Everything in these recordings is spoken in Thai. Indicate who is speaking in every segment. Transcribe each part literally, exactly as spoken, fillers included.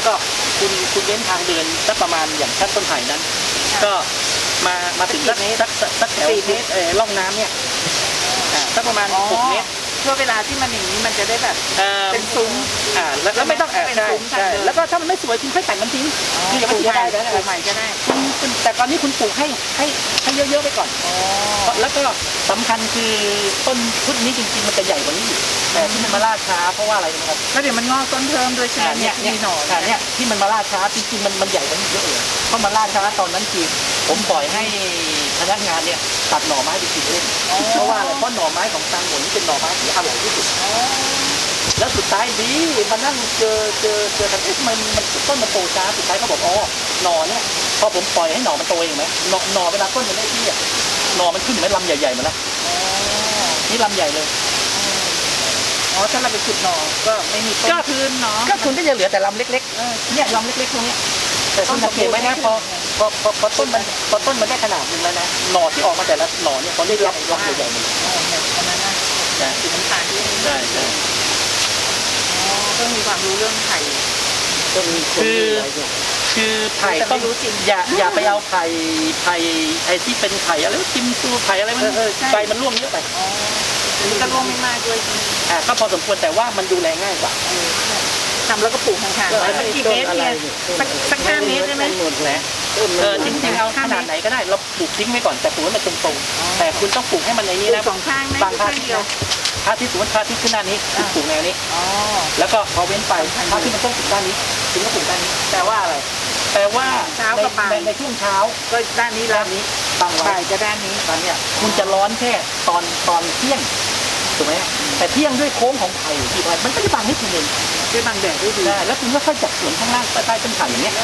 Speaker 1: ก็คุณคุณเว้นทางเดินสักประมาณอย่างชั้นต้นไผ่นั้น ก็มามาถึงสักสักสักแถวเออร่องน้ำเนี่ยอ่าสักประมาณหกเมตร
Speaker 2: เพื่อเวลาที่มันอย่างนี้มันจะได้แบบเป็นซุ้ม
Speaker 1: อ่าแล้วไม่ต้องแอบใช่ใช่แล้วก็ถ้ามันไม่สวยคุณค่อยแต่งมันทิ้งคือยังไม่ได้
Speaker 2: ปลูกใหม่ก็ได้
Speaker 1: แต่ตอนนี้คุณปลูกให้ให้ให้เยอะๆไปก่อนแล้วก็สำคัญคือต้นชุดนี้จริงๆมันจะใหญ่กว่านี้อยู่แต่ที่มันมาล่าช้าเพราะว่าอะไรนะครับ
Speaker 2: แล้วเดี๋ยวมันงอกต้นเพิ่มด้วยใช่ไหม
Speaker 1: เนี่ยเนี่ยหน่อเนี่ยที่มันมาล่าช้าจริงๆมันมันใหญ่กว่านี้เยอะเลยเพราะมันล่าช้าตอนนั้นคือผมปล่อยให้พนักงานเนี่ยตัดหน่อไม้ไปกินเล่นเพราะว่าอะไรเพราะหน่อไม้ของตังหมดนี่เป็นหน่อไม้ที่อร่อยที่สุดแล้วสุดท้ายดีมานั่งเจอเจอเจอกันเอ๊ะมันมันต้นมันโตช้าสุดท้ายเขาบอกอ๋อหน่อเนี่ยพอผมปล่อยให้หน่อมันโตเองไหมหน่อหน่อเวลาต้นมันได้ที่อ่ะหน่อมันขึ้นเหมือนลำใหญ่ๆมาแล้วนี่ลำใหญ่เลย
Speaker 2: อ๋อถ้าเราไปขุดหน่อก็ไม่มีต้นพื้นเนาะ
Speaker 1: ก็คุณก็จะเหลือแต่ลำเล็กๆเนี่ยลำเล็กๆตรงนี้แต่คุณสังเกตไหมนะพอพอพอพอต้นมันพอต้นมันได้ขนาดนึงแล้วนะหน่อที่ออกมาแต่ละหน่อเนี่ยเขาได้รับรับใหญ่ๆหมดเลย
Speaker 2: อันนั้นนะ
Speaker 1: ใช่
Speaker 2: สีน้ำตาลที่
Speaker 1: ใช่ใช่
Speaker 2: อ๋อต้องมีความรู้เรื่องไผ่
Speaker 1: คือคือไผ่ต้องรู้จริงอย่าอย่าไปเอาไผ่ไผ่ไอ้ที่เป็นไผ่อะไรกิมซูไผ่อะไรมันใบมันร่วงเยอะไป
Speaker 2: นี่ก็ร่วงไม่มากด้วย
Speaker 1: อ่าก็พอสมควรแต่ว่ามันดูแลง่ายกว่า
Speaker 2: ทำแล้วก็ปลูกห่างๆสักกี่เมตรเนี่ยสักห้าเมตรได้ไหม
Speaker 1: หมดแล้วเออจริงๆเอาขนาดไหนก็ได้เราปลูกทิ้งไว้ก่อนแต่ปลูกให้มันตรงๆแต่คุณต้องปลูกให้มันในนี้นะ
Speaker 2: สองข้างไหม
Speaker 1: บางข้าง
Speaker 2: เดียว
Speaker 1: พระอาทิตย์สมมติพระอาทิตย์ขึ้นด้านนี้ปลูกแนวนี้แล้วก็พอเว้นไปพระอาทิตย์มันต้องปลูกด้านนี้ถึงก็ปลูกด้านนี้แปลว่าอะไรแปลว่า
Speaker 2: เช้ากับบ่าย
Speaker 1: ในช่วงเช้า
Speaker 2: ก็ด้านนี้
Speaker 1: ด้านนี้บาง
Speaker 2: บ่ายจะด้านนี้
Speaker 1: ตอนเนี้ยคุณจะร้อนแค่ตอนตอนเที่ยงถูกไหมแต่เที่ยงด้วยโค้งของไผ่ที่ไผ่มันก็จะบังให้คุณเอง
Speaker 2: ด้วยบังแดดด้วยดี
Speaker 1: แล้วคุณก็ค่อยจับสวนข้างล่างใต้ต้นไผ่อย่างเงี้ย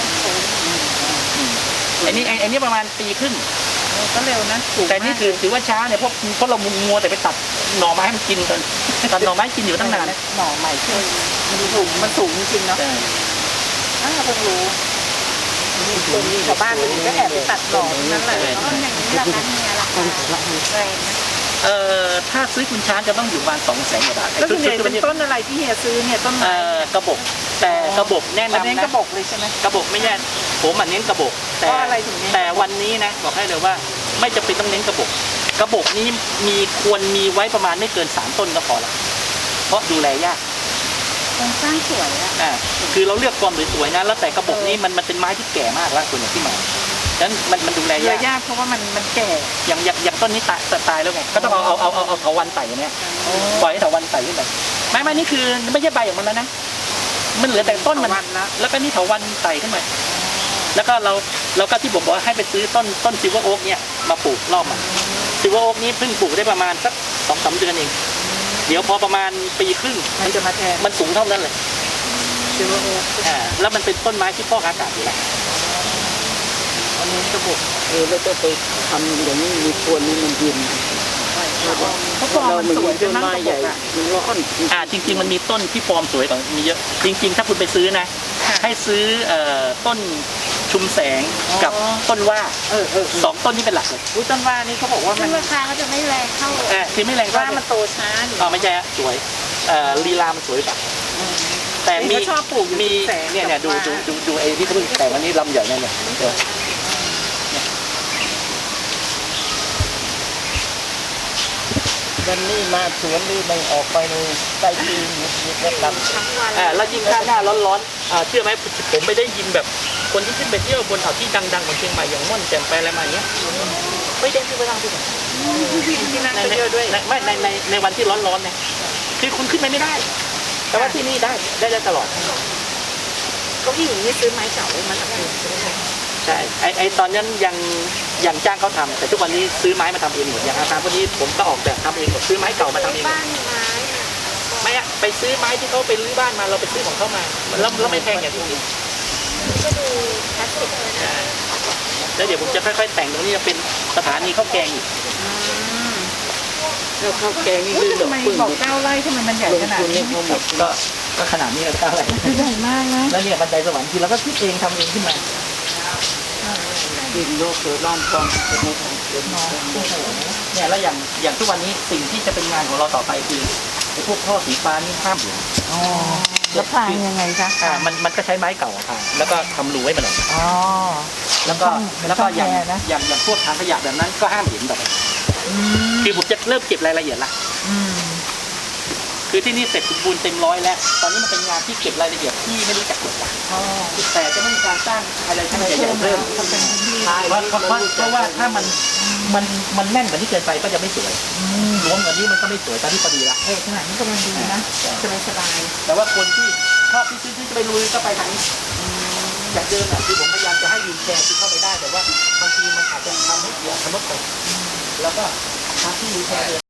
Speaker 1: อันนี้อันนี้ประมาณปีครึ่ง
Speaker 2: ก็เร็วนะ
Speaker 1: แต่นี่ถือถือว่าช้าเนี่ยเพราะเพราะเรามัวแต่ไปตัดหน่อไม้ให้มันกินกันตัดหน่อไม้กินอยู่ตั้งนาน
Speaker 2: หน่อใหม่ขึ้นมันสูงมันสูงจริงๆเนาะอ่าเพิ่งรู้ชาวบ้านก็แอบไปตัดหน่อนั่นแหละต้นอย่างนี้ราคาเฮียราคาแรงนะ
Speaker 1: เอ่อถ้าซื้อคุณช้างจะต้องอยู่ประมาณสองแสนกว่าบาท
Speaker 2: แล้วส่วนใหญ่เป็นต้นอะไรที่เฮียซื้อเนี่ยต้นไม้
Speaker 1: กระบอกแต่กระบอกแนะนำนะ
Speaker 2: กระบอกเลยใช่ไหม
Speaker 1: กระบอกไม่แย่ผมอ่ะเน้นกระบอกแต่แต่วันนี้นะบอกให้เลยว่าไม่จำเป็นต้องเน้นกระบอกกระบอกนี้มีควรมีไว้ประมาณไม่เกินสามต้นก็พอละเพราะดูแลยาก
Speaker 2: โครงสร้างสวยอ่ะ
Speaker 1: คือเราเลือกความสวยๆนะแล้วแต่กระบอกนี้มันมันเป็นไม้ที่แก่มากแล้วส่วนใหญ่ที่มาฉะนั้นมันมันดูแลย
Speaker 2: ากเพราะว่ามันมันแก่
Speaker 1: อย่างอย่างอย่างต้นนี้ตายตายแล้วไงก็ต้องเอาเอาเอาเอาเอาเถาวัลย์ไต่เนี่ยปล่อยให้เถาวัลย์ไต่ขึ้นไปไม่ไม่นี่คือไม่ใช่ใบของมันแล้วนะมันเหลือแต่ต้นมันแล้วก็นี่เถาวัลย์ไต่ขึ้นไปแล้วก็เราเราก็ที่ผมบอกให้ไปซื้อต้นต้นซิลเวอร์โอ๊กเนี่ยมาปลูกรอบมาซิลเวอร์โอ๊กนี้เพิ่งปลูกได้ประมาณสักสองสามเดือนเองเดี๋ยวพอประมาณปีครึ่ง
Speaker 2: มันจะมาแทน
Speaker 1: มันสูงเท่านั้นเลย
Speaker 2: ซิลเวอร์โอ๊ก
Speaker 1: อ่าแล้วมันเป็นต้นไม้ที่ฟอกอากาศอยู่แล้ว
Speaker 2: อันนี้กระบอก
Speaker 3: เออแล้วก็ไปทำอย่างนี้มีควรนี้มันเย็น
Speaker 2: เพราะฟอร์มมันสวยจนไม้ใหญ่
Speaker 3: มันร้อน
Speaker 1: อ่าจริงๆมันมีต้นที่ฟอร์มสวยกว่ามีเยอะจริงๆถ้าคุณไปซื้อนะให้ซื้อเอ่อต้นชุมแสงกับต้นว่า
Speaker 2: เออเออ
Speaker 1: สองต้นนี้เป็นหลักเลย
Speaker 2: ต้นว่านี่เขาบอกว่ามัน
Speaker 4: ราคาเขาจะไม่แรงเท่า
Speaker 1: เออคือไม่แรง
Speaker 2: ว่ามันโตช้า
Speaker 1: อ๋อไม่ใช่สวยเอ่อลีลามันสวยกว่าแต่มี
Speaker 2: ชอบปลูก
Speaker 1: มีเนี่ยเนี่ยดูดูดูดูไอ้ที่เขาเพิ่งแต่งวันนี้ลำใหญ่เนี่ยเนี่ย
Speaker 3: วันนี้มาสวนนี่ไม่ออกไปเลยใต้ตีนมีแค่ล
Speaker 1: ำอ่าแล้วยิ่งข้างหน้าร้อนๆอ่าเชื่อไหมผมไม่ได้ยินแบบคนที่ขึ้นไปเที่ยวบนเขาที่ดังๆของเชียงใหม่อย่างม่อนแจ่มไปอะไรมาอย่างเงี้ยไม่ได้ขึ้นไปทางที่ไหน
Speaker 2: ที่นั่นก็เยอะด้วย
Speaker 1: ไม่ในในในวันที่ร้อนๆเนี่ยคือคุณขึ้นไปไม่ได้แต่ว่าที่นี่ได้ได้ได้ตลอด
Speaker 2: ก็พี่หญิงนี่ซื้อไม้เก่าเลยมาทำเอง
Speaker 1: ใช่ไอไอตอนนั้นยังยังจ้างเขาทำแต่ทุกวันนี้ซื้อไม้มาทำเองหมดอย่างอาคารพวกนี้ผมก็ออกแบบทำเองหมดซื้อไม้เก่ามาทำเอง
Speaker 4: บ้านไม้
Speaker 1: ไม่อะไปซื้อไม้ที่เขาไปรื้อบ้านมาเราไปซื้อของเขามาแล้วแล้วไม่แพงอย่างที่คิด
Speaker 4: ก็ดูคลาสสิกเลยนะ
Speaker 1: แล้วเดี๋ยวผมจะค่อยๆแต่งตรงนี้จะเป็นสถานีข้าวแกงอีก
Speaker 3: แล้วข้าวแกงนี่
Speaker 2: คือทำไมบอกเก้าไร่ทำไมมันใหญ่ขนาดนี้
Speaker 1: ก็ก็ขนาดนี้แล้วเก้าไร่
Speaker 2: ใหญ่มากนะ
Speaker 1: แล้วเนี่ยบันไดสวรรค์ที่เราก็คิดเองทำเองขึ้นมา
Speaker 3: ดินโลกเกิดร่อนฟองเป็นในของเกิดน้อง
Speaker 1: เนี่ยแล้วอย่างอย่างทุกวันนี้สิ่งที่จะเป็นงานของเราต่อไปคือไอ้พวกท่อสีฟ้านี่ห้ามอยู่
Speaker 2: แล้วพรางยังไงคะ
Speaker 1: อ่ามันมันก็ใช้ไม้เก่าอะค่ะแล้วก็ทำรูให้มันออกมา
Speaker 2: อ๋อ
Speaker 1: แล้วก็
Speaker 2: ช่อง
Speaker 1: แล้วก็อย่าง
Speaker 2: ช่องแอร์นะ
Speaker 1: อย่างอย่างพวกถังขยะแบบนั้นก็ห้ามเห็นแบบ
Speaker 2: อืม
Speaker 1: คือผมจะเริ่มเก็บรายละเอียดละ
Speaker 2: อืม
Speaker 1: คือที่นี่เสร็จสมบูรณ์เต็มร้อยแล้วตอนนี้มันเป็นงานที่เก็บรายละเอียดที่ไม่รู้จักกฎหมาย
Speaker 2: อ๋อ
Speaker 1: แต่จะไม่มีการสร้างอะไรที่มันใหญ่ๆเพิ่ม
Speaker 2: ทำเป็นพื้นที่
Speaker 1: ใช่เพราะเพราะเพราะเพราะว่าถ้ามันมันมันแน่นกว่านี้เกินไปก็จะไม่สวย
Speaker 2: อืม
Speaker 1: รวมกว่านี้มันก็ไม่สวยตอนนี้พอดีละ
Speaker 2: เออขนาดนี้กำลังดีนะสบายสบาย
Speaker 1: แต่ว่าคนที่ชอบที่ซื้อที่จะไปลุยก็ไปทางนี้จากเดิมอะคือผมพยายามจะให้วิวแชร์ที่เข้าไปได้แต่ว่าบางทีมันอาจจะทำให้เสียสมมติผมแล้วก็ทางที่วิวแชร์เดิน